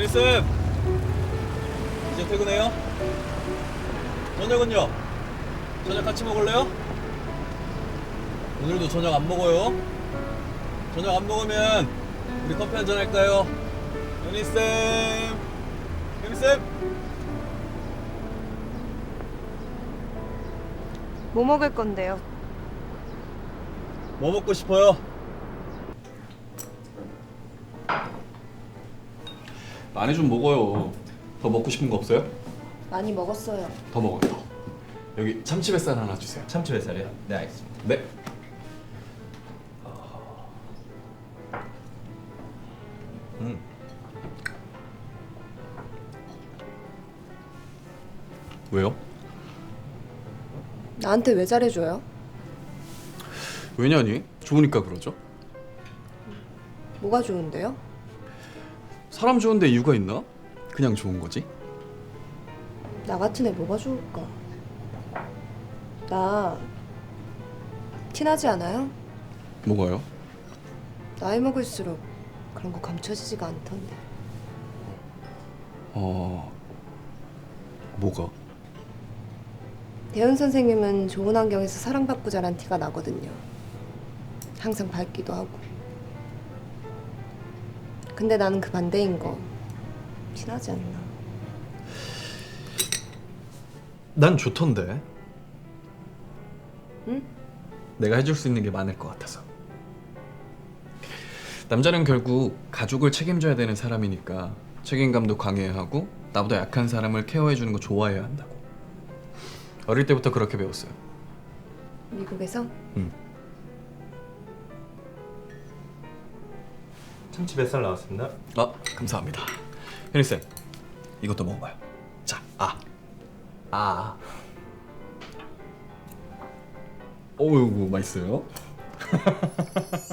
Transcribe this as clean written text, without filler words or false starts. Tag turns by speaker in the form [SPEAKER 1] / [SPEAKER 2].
[SPEAKER 1] 현희쌤! 이제 퇴근해요? 저녁은요? 저녁 같이 먹을래요? 오늘도 저녁 안 먹어요? 저녁 안 먹으면 우리 커피 한잔 할까요? 현희쌤! 현희쌤!
[SPEAKER 2] 뭐 먹을 건데요?
[SPEAKER 1] 뭐 먹고 싶어요? 많이 좀 먹어요. 더 먹고 싶은 거 없어요?
[SPEAKER 2] 많이 먹었어요.
[SPEAKER 1] 더 먹어요. 더. 여기 참치뱃살 하나 주세요.
[SPEAKER 3] 참치 뱃살이요? 네, 알겠습니다.
[SPEAKER 1] 네. 왜요?
[SPEAKER 2] 나한테 왜 잘해줘요?
[SPEAKER 1] 왜냐니? 좋으니까 그러죠.
[SPEAKER 2] 뭐가 좋은데요?
[SPEAKER 1] 사람 좋은데 이유가 있나? 그냥 좋은 거지.
[SPEAKER 2] 나 같은 애 뭐가 좋을까? 나 티나지 않아요?
[SPEAKER 1] 뭐가요?
[SPEAKER 2] 나이 먹을수록 그런 거 감춰지지가 않던데.
[SPEAKER 1] 뭐가?
[SPEAKER 2] 대현 선생님은 좋은 환경에서 사랑받고 자란 티가 나거든요. 항상 밝기도 하고. 근데 나는 그 반대인 거 티나지 않나?
[SPEAKER 1] 난 좋던데.
[SPEAKER 2] 응?
[SPEAKER 1] 내가 해줄 수 있는 게 많을 것 같아서. 남자는 결국 가족을 책임져야 되는 사람이니까 책임감도 강해야 하고 나보다 약한 사람을 케어해주는 거 좋아해야 한다고. 어릴 때부터 그렇게 배웠어요.
[SPEAKER 2] 미국에서?
[SPEAKER 1] 응.
[SPEAKER 3] 참치 뱃살 나왔습니다.
[SPEAKER 1] 감사합니다. 현희쌤, 이것도 먹어봐요. 자, 어이구, 맛있어요?